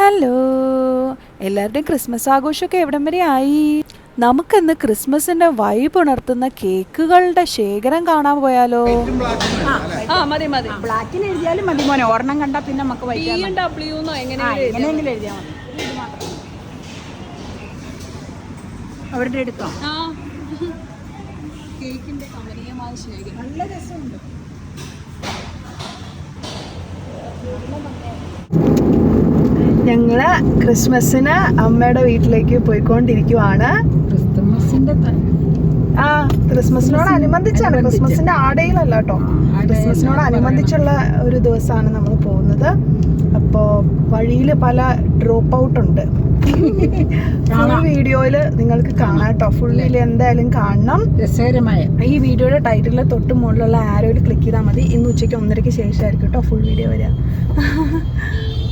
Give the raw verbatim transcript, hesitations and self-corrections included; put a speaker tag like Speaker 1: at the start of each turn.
Speaker 1: Hello, എല്ലാവരുടെയും Christmas ആഘോഷമൊക്കെ എവിടം വരെ ആയി? നമുക്കിന്ന് ക്രിസ്മസിന്റെ വൈബ് ഉണർത്തുന്ന കേക്കുകളുടെ ശേഖരം കാണാൻ പോയാലോ?
Speaker 2: ആ മതി മതി.
Speaker 3: ബ്ലാക്കിന് എഴുതിയാലും മതി മോനെ. ഒരെണ്ണം കണ്ടാ പിന്നെ നമുക്ക്
Speaker 2: എങ്ങനെയെങ്കിലും
Speaker 3: എഴുതിയാൽ മതി. അവരുടെ എടുത്തോ.
Speaker 2: കേക്കിന്റെ കമനീയമായ ശേഖരം
Speaker 3: നല്ല രസമുണ്ട്.
Speaker 1: ഞങ്ങള് ക്രിസ്മസിന് അമ്മയുടെ വീട്ടിലേക്ക് പോയിക്കൊണ്ടിരിക്കുവാണ്.
Speaker 3: ക്രിസ്മസിന്റെ
Speaker 1: ആ ക്രിസ്മസിനോടനുബന്ധിച്ചാണ്, ക്രിസ്മസിന്റെ ആടയിലല്ല കേട്ടോ, ക്രിസ്മസിനോടനുബന്ധിച്ചുള്ള ഒരു ദിവസമാണ് നമ്മൾ പോകുന്നത്. അപ്പോൾ വഴിയിൽ പല ഡ്രോപ്പ് ഔട്ട് ഉണ്ട്. ഫുൾ വീഡിയോയിൽ നിങ്ങൾക്ക് കാണാം കേട്ടോ. ഫുൾ വീഡിയോ എന്തായാലും കാണണം.
Speaker 3: രസകരമായ
Speaker 1: ഈ വീഡിയോയുടെ ടൈറ്റിലിൽ തൊട്ട് മുകളിലുള്ള ആരോയിൽ ക്ലിക്ക് ചെയ്താൽ മതി. ഇന്ന് ഉച്ചയ്ക്ക് ഒന്നരയ്ക്ക് ശേഷമായിരിക്കും കേട്ടോ ഫുൾ വീഡിയോ വരിക.